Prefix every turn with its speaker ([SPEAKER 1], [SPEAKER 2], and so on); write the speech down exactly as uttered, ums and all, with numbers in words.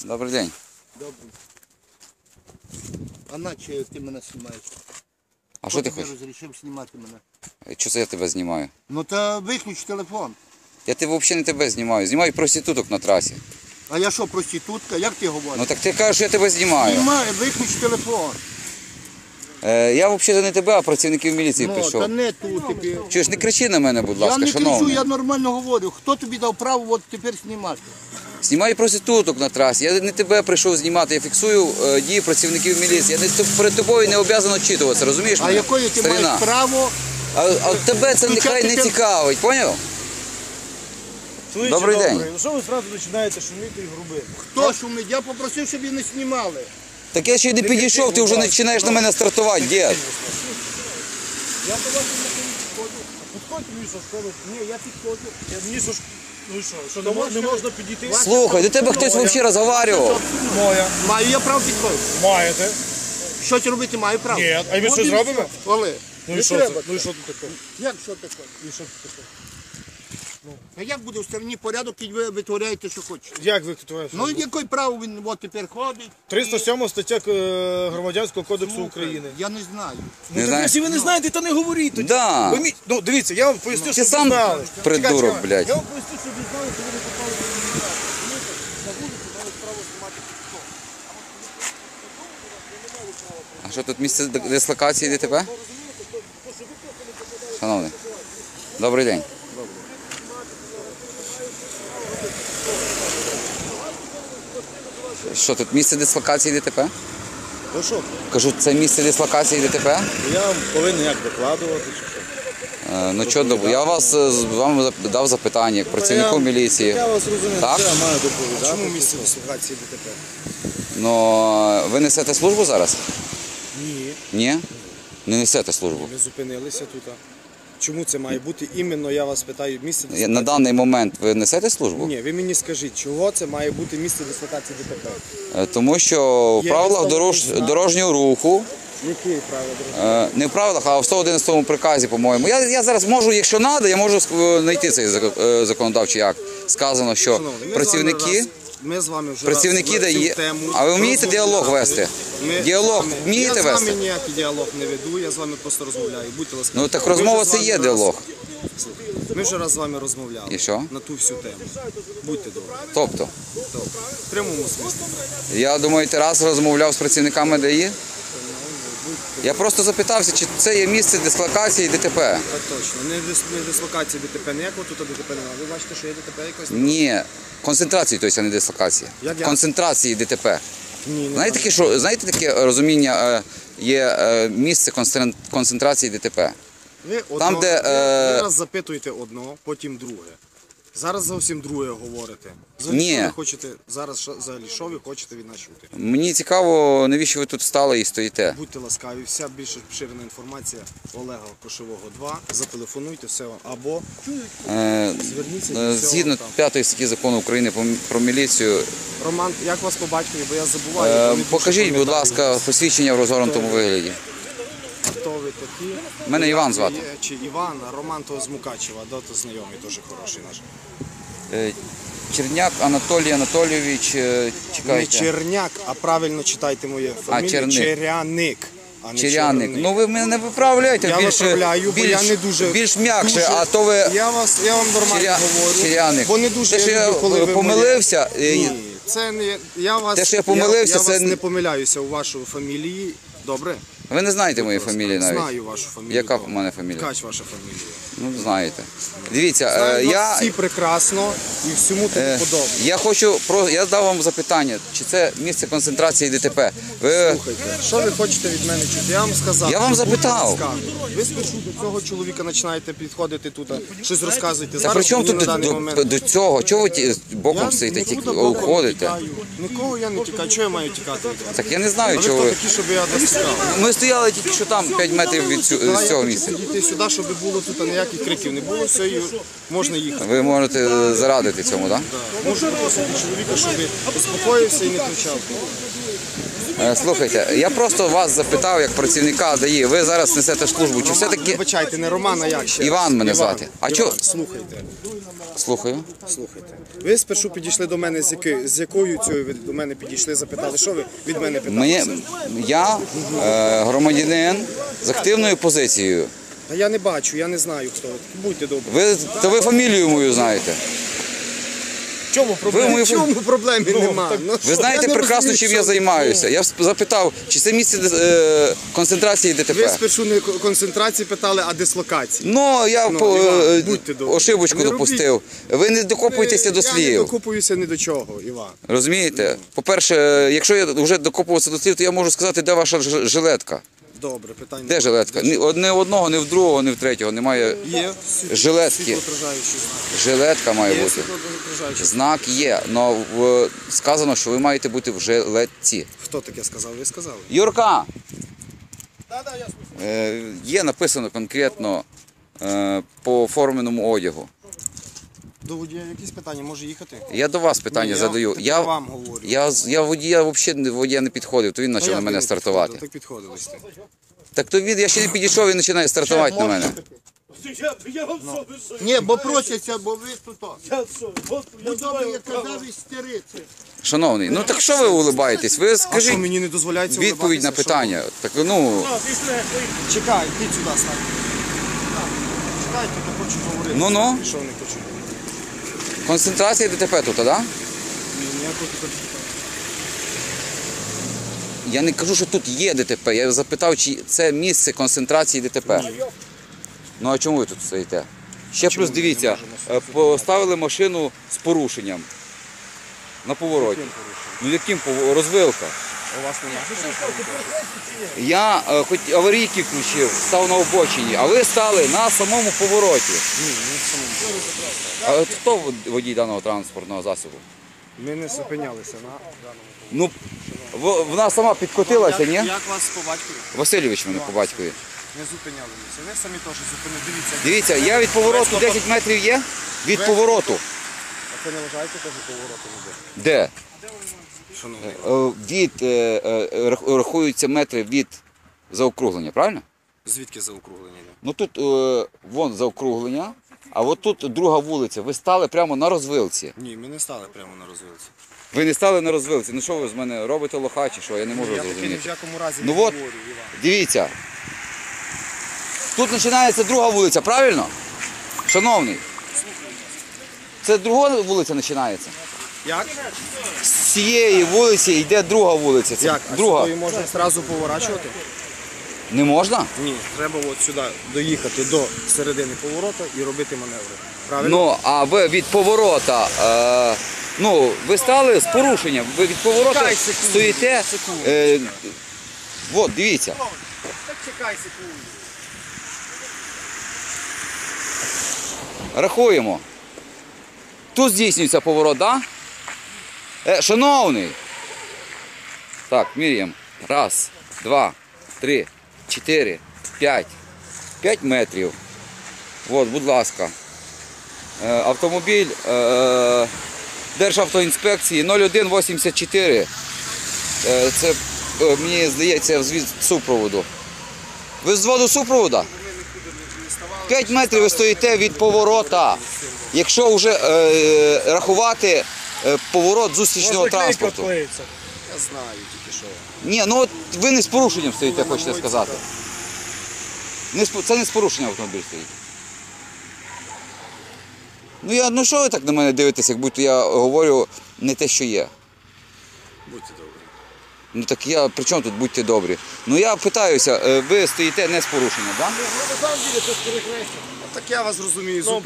[SPEAKER 1] Добрий день.
[SPEAKER 2] Добрий. А наче ти мене знімаєш?
[SPEAKER 1] А що ти хочеш?
[SPEAKER 2] Ти розрішив знімати мене?
[SPEAKER 1] Чого це я тебе знімаю?
[SPEAKER 2] Ну та виключ телефон.
[SPEAKER 1] Я тебе взагалі не тебе знімаю. Знімаю проституток на трасі.
[SPEAKER 2] А я що, проститутка? Як ти говориш?
[SPEAKER 1] Ну так ти кажеш, що я тебе знімаю.
[SPEAKER 2] Знімай, виключ телефон.
[SPEAKER 1] Е, я взагалі не тебе, а працівників міліції
[SPEAKER 2] Ну,
[SPEAKER 1] прийшов.
[SPEAKER 2] та не тут тобі.
[SPEAKER 1] Чуєш, не кричи на мене, будь ласка,
[SPEAKER 2] Я не кричу,
[SPEAKER 1] шановний.
[SPEAKER 2] я нормально говорю. Хто тобі дав право от тепер знімати?
[SPEAKER 1] Знімаю проституток на трасі. Я не тебе прийшов знімати, я фіксую е, дії працівників міліції. Я не, перед тобою не обов'язаний очитуватися, розумієш
[SPEAKER 2] А
[SPEAKER 1] мене?
[SPEAKER 2] якою ти
[SPEAKER 1] Старина.
[SPEAKER 2] маєш право?
[SPEAKER 1] А, а тебе це нехай не
[SPEAKER 2] тел-
[SPEAKER 1] цікавить, поняв?
[SPEAKER 3] Чоловіче,
[SPEAKER 1] Добрий день.
[SPEAKER 3] добрий. Ну що ви одразу починаєте шуміти і грубити?
[SPEAKER 2] Хто шумить? Я попросив, щоб її не знімали.
[SPEAKER 1] Так я ще й не підійшов, ти вже починаєш на мене стартувати, дід.
[SPEAKER 3] Я по вашому не підходжу. Підходьте мені, що школи. Ні, я підходжу. Я мені що ж... Ну і що? Що не, мож- не можна підійти?
[SPEAKER 1] Слухай, до тебе хтось взагалі розговарював.
[SPEAKER 3] Моя.
[SPEAKER 2] Маю я право підходити.
[SPEAKER 3] Маєте?
[SPEAKER 2] Щось робити маю право.
[SPEAKER 3] Ні, а ми
[SPEAKER 2] От
[SPEAKER 3] щось
[SPEAKER 2] і
[SPEAKER 3] робимо?
[SPEAKER 2] все. Олег,
[SPEAKER 3] Ну
[SPEAKER 2] не
[SPEAKER 3] і що
[SPEAKER 2] треба.
[SPEAKER 3] це? Ну і що тут таке?
[SPEAKER 2] Як що таке?
[SPEAKER 3] І що тут таке?
[SPEAKER 2] А як буде в стороні порядок, і ви витворяєте, що хочете?
[SPEAKER 3] Як ви тут?
[SPEAKER 2] Ну, який право він от тепер ходить?
[SPEAKER 3] триста сьома стаття е, Громадянського кодексу України.
[SPEAKER 2] Я не знаю.
[SPEAKER 1] Не
[SPEAKER 3] Ну, так,
[SPEAKER 1] знаєш?
[SPEAKER 3] якщо ви не знаєте, то не говоріть тоді.
[SPEAKER 1] Да.
[SPEAKER 3] Ви мі- Ну, дивіться, я вам поясню,
[SPEAKER 1] Ти
[SPEAKER 3] щоб ви
[SPEAKER 1] сам
[SPEAKER 3] знали.
[SPEAKER 1] придурок,
[SPEAKER 3] Чекай, чекай.
[SPEAKER 1] блядь.
[SPEAKER 3] Я вам поясню, щоб ви знали, коли ви попали в кримінал. На вулиці мають право знімати хто.
[SPEAKER 1] А що тут місце дислокації ДТП? Шановний. Добрий день. Що тут місце дислокації ДТП?
[SPEAKER 3] Ну що,
[SPEAKER 1] Кажу, це місце дислокації ДТП?
[SPEAKER 3] я вам повинен як докладувати чи що?
[SPEAKER 1] Е, Ну що, доб- я вас е, з- вам зап- дав запитання як працівнику міліції.
[SPEAKER 3] Я вас розумію,
[SPEAKER 1] Так?
[SPEAKER 3] це я маю доповідати. Чому місце дислокації ДТП?
[SPEAKER 1] Ну, ви несете службу зараз?
[SPEAKER 3] Ні,
[SPEAKER 1] Ні? Не несете службу.
[SPEAKER 3] ми зупинилися тут. Чому це має бути? Іменно я вас питаю місце
[SPEAKER 1] Я-
[SPEAKER 3] дислокації.
[SPEAKER 1] На даний момент ви несете службу?
[SPEAKER 3] Ні, ви мені скажіть, чого це має бути місце дислокації ДТП?
[SPEAKER 1] Е, Тому що в
[SPEAKER 3] Є
[SPEAKER 1] правилах
[SPEAKER 3] виставлений
[SPEAKER 1] дорож...
[SPEAKER 3] знак.
[SPEAKER 1] дорожнього руху,
[SPEAKER 3] Які правила дорожнього?
[SPEAKER 1] е, не в правилах, а в сто одинадцятому приказі, по-моєму. Я, я зараз можу, якщо треба, я можу е, знайти цей зак- е, законодавчий акт. Сказано, що
[SPEAKER 3] Шановний, ми з
[SPEAKER 1] працівники...
[SPEAKER 3] вами раз- Ми з вами вже
[SPEAKER 1] Працівники
[SPEAKER 3] раз
[SPEAKER 1] дає.
[SPEAKER 3] цю тему
[SPEAKER 1] А ви вмієте
[SPEAKER 3] розмовляли.
[SPEAKER 1] діалог вести?
[SPEAKER 3] Ми
[SPEAKER 1] Діалог
[SPEAKER 3] з вами-
[SPEAKER 1] вмієте
[SPEAKER 3] Я з
[SPEAKER 1] вести?
[SPEAKER 3] вами ніякий діалог не веду, я з вами просто розмовляю. Будьте ласкаві.
[SPEAKER 1] Ну так
[SPEAKER 3] Ми
[SPEAKER 1] розмова
[SPEAKER 3] вже з
[SPEAKER 1] це
[SPEAKER 3] вами
[SPEAKER 1] є
[SPEAKER 3] раз-
[SPEAKER 1] діалог.
[SPEAKER 3] Слухайте, Ми вже раз з вами розмовляли.
[SPEAKER 1] І що?
[SPEAKER 3] На ту всю тему. Будьте добрі.
[SPEAKER 1] Тобто,
[SPEAKER 3] Добре. В прямому смислі.
[SPEAKER 1] я думаю, ти раз розмовляв з працівниками ДАІ? Я просто запитався, чи це є місце дислокації ДТП.
[SPEAKER 3] Так точно. Не, дис, не дислокації ДТП, ніякого тут ДТП немає. Ви бачите, що є ДТП якось?
[SPEAKER 1] Ні, концентрації, тобто, а не дислокації.
[SPEAKER 3] Як я?
[SPEAKER 1] Концентрації ДТП.
[SPEAKER 3] Ні, не
[SPEAKER 1] Знаєте, таке, що, знаєте таке розуміння, е, є е, місце концентрації- концентрації ДТП?
[SPEAKER 3] Ви, одно,
[SPEAKER 1] Там, де,
[SPEAKER 3] ви,
[SPEAKER 1] е,
[SPEAKER 3] ви раз запитуєте одно, потім друге. Зараз зовсім друге говорите. Взагалі,
[SPEAKER 1] Ні.
[SPEAKER 3] що ви хочете, зараз що, взагалі, що ви хочете від нас чути?
[SPEAKER 1] Мені цікаво, навіщо ви тут стали і стоїте.
[SPEAKER 3] Будьте ласкаві, вся більш поширена інформація Олега Кошового два. Зателефонуйте все вам. Або
[SPEAKER 1] Е,
[SPEAKER 3] зверніться
[SPEAKER 1] е,
[SPEAKER 3] до цього
[SPEAKER 1] Згідно
[SPEAKER 3] там.
[SPEAKER 1] п'ятої статті закону України про- про міліцію,
[SPEAKER 3] Роман, як вас по батькові, бо я забуваю.
[SPEAKER 1] е,
[SPEAKER 3] я не дуже
[SPEAKER 1] покажіть, будь
[SPEAKER 3] пам'ятаю.
[SPEAKER 1] ласка, посвідчення в розгорнутому вигляді.
[SPEAKER 3] Хто ви такі?
[SPEAKER 1] Мене Іван звати.
[SPEAKER 3] Є, чи Іван, а Роман то з Мукачева, да, то знайомий, теж хороший наш.
[SPEAKER 1] Е, Черняк Анатолій Анатолійович, е,
[SPEAKER 3] Не
[SPEAKER 1] чекайте.
[SPEAKER 3] Черняк, а правильно читайте моє фамілію.
[SPEAKER 1] Черник.
[SPEAKER 3] Черяник. А не
[SPEAKER 1] Черяник.
[SPEAKER 3] Черник.
[SPEAKER 1] Ну ви мене не виправляйте,
[SPEAKER 3] Я
[SPEAKER 1] більш,
[SPEAKER 3] виправляю, бо
[SPEAKER 1] більш,
[SPEAKER 3] я не дуже...
[SPEAKER 1] більш м'якше,
[SPEAKER 3] дуже-
[SPEAKER 1] а то ви
[SPEAKER 3] Я, вас, я вам нормально
[SPEAKER 1] Черя-
[SPEAKER 3] говорю,
[SPEAKER 1] Черяник.
[SPEAKER 3] бо не дуже
[SPEAKER 1] Те, що
[SPEAKER 3] я
[SPEAKER 1] я
[SPEAKER 3] люблю, коли ви
[SPEAKER 1] помилився,
[SPEAKER 3] моє-
[SPEAKER 1] е,
[SPEAKER 3] Ні, це не... Я вас,
[SPEAKER 1] Те, що я помилився,
[SPEAKER 3] я, я
[SPEAKER 1] це
[SPEAKER 3] вас
[SPEAKER 1] не-
[SPEAKER 3] не помиляюся у вашій фамілії. Добре?
[SPEAKER 1] ви не знаєте моєї фамілії навіть.
[SPEAKER 3] Знаю вашу фамілію.
[SPEAKER 1] Яка
[SPEAKER 3] добре.
[SPEAKER 1] в мене фамілія?
[SPEAKER 3] Ткач ваша фамілія.
[SPEAKER 1] Ну, знаєте. Дивіться, е,
[SPEAKER 3] Знаю вас
[SPEAKER 1] я,
[SPEAKER 3] всі прекрасно і всьому тому
[SPEAKER 1] е,
[SPEAKER 3] подобне.
[SPEAKER 1] я хочу, про, я дав вам запитання, чи це місце концентрації ДТП. Ви,
[SPEAKER 3] Слухайте, що ви хочете від мене чути? Я вам сказав.
[SPEAKER 1] Я вам
[SPEAKER 3] що будьте
[SPEAKER 1] запитав.
[SPEAKER 3] ласкаві. Ви спершу до цього чоловіка починаєте підходити тут, щось розказуєте.
[SPEAKER 1] та
[SPEAKER 3] Зараз
[SPEAKER 1] при чому
[SPEAKER 3] мені
[SPEAKER 1] тут
[SPEAKER 3] на
[SPEAKER 1] до,
[SPEAKER 3] даний
[SPEAKER 1] до,
[SPEAKER 3] момент...
[SPEAKER 1] до цього? Чого ви ті- боком
[SPEAKER 3] Я
[SPEAKER 1] стоїте,
[SPEAKER 3] нікуди
[SPEAKER 1] тільки
[SPEAKER 3] боком не
[SPEAKER 1] уходите?
[SPEAKER 3] тікаю. Нікого я не тікаю. Чого я маю тікати від вас?
[SPEAKER 1] Так я не
[SPEAKER 3] А
[SPEAKER 1] знаю,
[SPEAKER 3] ви
[SPEAKER 1] чого
[SPEAKER 3] хто
[SPEAKER 1] ви.
[SPEAKER 3] такі, щоб я вас тікав?
[SPEAKER 1] Ми стояли тільки що там, п'ять метрів від цю-
[SPEAKER 3] Да,
[SPEAKER 1] з
[SPEAKER 3] я
[SPEAKER 1] цього
[SPEAKER 3] хочу
[SPEAKER 1] місця.
[SPEAKER 3] підійти сюди, щоб було тут ніяких криків не було, все, і можна їхати.
[SPEAKER 1] Ви можете зарадити цьому, так?
[SPEAKER 3] Да. Можу попросити чоловіка, щоб успокоївся і не кричав.
[SPEAKER 1] Е, Слухайте, я просто вас запитав, як працівника ДАІ, ви зараз несете службу, чи все-таки...
[SPEAKER 4] Вибачайте, не Роман, а як ще?
[SPEAKER 1] Іван мене
[SPEAKER 4] Іван.
[SPEAKER 1] звати. А
[SPEAKER 4] Іван,
[SPEAKER 1] чо-
[SPEAKER 4] Слухайте,
[SPEAKER 1] Слухаю.
[SPEAKER 4] слухайте. Ви спершу підійшли до мене, з, яки, з якою цією ви до мене підійшли, запитали, що ви від мене питалися?
[SPEAKER 1] Мені, я е, громадянин з активною позицією.
[SPEAKER 4] Та я не бачу, я не знаю, хто ви. Будьте добрі.
[SPEAKER 1] Ви, то ви фамілію мою знаєте.
[SPEAKER 4] В чому проблема?
[SPEAKER 1] мою
[SPEAKER 4] В чому проблеми нема? Ну,
[SPEAKER 1] Ви
[SPEAKER 4] що?
[SPEAKER 1] знаєте
[SPEAKER 4] Я не
[SPEAKER 1] прекрасно,
[SPEAKER 4] розумію,
[SPEAKER 1] чим
[SPEAKER 4] що
[SPEAKER 1] я
[SPEAKER 4] ви.
[SPEAKER 1] займаюся. Я запитав, чи це місце е, концентрації
[SPEAKER 4] Ви
[SPEAKER 1] ДТП.
[SPEAKER 4] спершу не концентрації питали, а дислокації.
[SPEAKER 1] Ну, я
[SPEAKER 4] Ну,
[SPEAKER 1] по,
[SPEAKER 4] Іван,
[SPEAKER 1] е,
[SPEAKER 4] будьте добрі.
[SPEAKER 1] ошибочку
[SPEAKER 4] Не робіть.
[SPEAKER 1] допустив. Ви не докопуєтеся до
[SPEAKER 4] Я не
[SPEAKER 1] слів.
[SPEAKER 4] докупуюся ні до чого, Іван.
[SPEAKER 1] Розумієте? По-перше, якщо я вже докопувався до слів, то я можу сказати, де ваша ж- жилетка.
[SPEAKER 4] Добре, питання.
[SPEAKER 1] Де жилетка? Ні од- ні одного, ні в другого, ні в третього. Немає.
[SPEAKER 4] Є
[SPEAKER 1] Жилетки.
[SPEAKER 4] світлоотражаючий знак.
[SPEAKER 1] Жилетка має
[SPEAKER 4] Є
[SPEAKER 1] бути.
[SPEAKER 4] світлоотражаючий знак.
[SPEAKER 1] Знак є, але сказано, що ви маєте бути в жилетці.
[SPEAKER 4] Хто таке сказав? Ви сказали?
[SPEAKER 1] Юрка! Е, Є написано конкретно е, по форменому одягу.
[SPEAKER 4] До водія якісь питання, може їхати?
[SPEAKER 1] Я до вас питання
[SPEAKER 4] Ні, я
[SPEAKER 1] задаю.
[SPEAKER 4] так
[SPEAKER 1] Я,
[SPEAKER 4] вам говорю.
[SPEAKER 1] я, з- я водія взагалі водія не підходив, то він
[SPEAKER 4] Та
[SPEAKER 1] почав
[SPEAKER 4] як
[SPEAKER 1] на
[SPEAKER 4] ви
[SPEAKER 1] мене
[SPEAKER 4] не
[SPEAKER 1] стартувати.
[SPEAKER 4] підходили? Так підходили сте.
[SPEAKER 1] Так то він, я ще не підійшов, він починає стартувати на мене.
[SPEAKER 3] Я, я вам що, ви що?
[SPEAKER 2] Ні, бо просяться, бо ви тут.
[SPEAKER 3] Я що? От, я
[SPEAKER 2] Ну добре,
[SPEAKER 3] знаю,
[SPEAKER 2] я казав і стериться.
[SPEAKER 1] Шановний, ну так що ви улибаєтесь? Ви
[SPEAKER 4] А що
[SPEAKER 1] скажіть
[SPEAKER 4] мені не дозволяється
[SPEAKER 1] відповідь на
[SPEAKER 4] улыбатися? Що?
[SPEAKER 1] питання. Так ну,
[SPEAKER 3] А, пішли.
[SPEAKER 4] Чекай, йдіть сюди, стань. Чекайте, я хочу говорити.
[SPEAKER 1] Ну-ну.
[SPEAKER 4] Що не хочу?
[SPEAKER 1] концентрація ДТП тут, так? Да?
[SPEAKER 4] Ні, ніякого тут.
[SPEAKER 1] Я не кажу, що тут є ДТП. Я запитав, чи це місце концентрації ДТП. Ну а чому ви тут стоїте? Ще плюс дивіться, е, поставили машину з порушенням на повороті. Ну яким пов- розвилка?
[SPEAKER 4] У вас немає.
[SPEAKER 1] Я е, хоч аварійки включив, став на обочині, а ви стали на самому повороті.
[SPEAKER 4] Ні, не в самому.
[SPEAKER 1] А от хто вод- водій даного транспортного засобу?
[SPEAKER 4] Ми не зупинялися на даному.
[SPEAKER 1] Ну, в- вона сама підкотилася, ні?
[SPEAKER 4] Як вас по батькові?
[SPEAKER 1] Васильович мене по батькові.
[SPEAKER 4] Не зупинялися. Ви самі теж зупинили. Дивіться.
[SPEAKER 1] Дивіться, я від повороту десять метрів є? Від повороту.
[SPEAKER 4] А це не вважаєте теж поворотом іде?
[SPEAKER 1] Де?
[SPEAKER 4] Шановний.
[SPEAKER 1] Е, Від, е, е, рах- рахуються метри від заокруглення, правильно?
[SPEAKER 4] Звідки заокруглення йде?
[SPEAKER 1] Ну тут е, вон заокруглення, а от тут друга вулиця. Ви стали прямо на розвилці.
[SPEAKER 4] Ні, ми не стали прямо на розвилці.
[SPEAKER 1] Ви не стали на розвилці. Ну що ви з мене робите лоха чи що? Я не можу
[SPEAKER 4] Я таки ні в
[SPEAKER 1] зрозуміти.
[SPEAKER 4] якому разі
[SPEAKER 1] Ну
[SPEAKER 4] не
[SPEAKER 1] от,
[SPEAKER 4] говорю, Іван.
[SPEAKER 1] дивіться. Тут починається друга вулиця, правильно? Шановний. Це друга вулиця починається.
[SPEAKER 4] Як?
[SPEAKER 1] З цієї вулиці йде друга вулиця. Це
[SPEAKER 4] Як? А
[SPEAKER 1] друга.
[SPEAKER 4] сюди можна одразу поворачувати?
[SPEAKER 1] Не можна?
[SPEAKER 4] Ні, треба от сюди доїхати до середини повороту і робити маневри. Правильно?
[SPEAKER 1] Ну, а ви від поворота, е, ну, ви стали з порушенням. Ви від поворота
[SPEAKER 4] Чекай секунду,
[SPEAKER 1] стоїте.
[SPEAKER 4] секунду.
[SPEAKER 1] Е, от, дивіться.
[SPEAKER 4] Так чекай секунду.
[SPEAKER 1] Рахуємо. Тут здійснюється поворот, так? Да? Е, шановний. Так, міряємо. Раз, два, три, чотири, п'ять. П'ять метрів. От, будь ласка. Е, автомобіль е, Державтоінспекції нуль один вісімдесят чотири. Е, це, е, мені здається, звід супроводу. Ви з воду супроводу? п'ять метрів ви стоїте від поворота. Якщо вже е, рахувати е, поворот зустрічного транспорту.
[SPEAKER 4] Я знаю тільки що.
[SPEAKER 1] Ні, ну от ви не з порушенням стоїте, хочете сказати. Не з, по- це не з порушенням автомобіль стоїть. Ну, я, ну що ви так на мене дивитесь, як будто я говорю не те, що є.
[SPEAKER 4] Будьте добрі.
[SPEAKER 1] Ну так я, при чому тут будьте добрі? Ну я питаюся, е, ви стоїте не з порушенням, так? Да?
[SPEAKER 4] Так я вас розумію.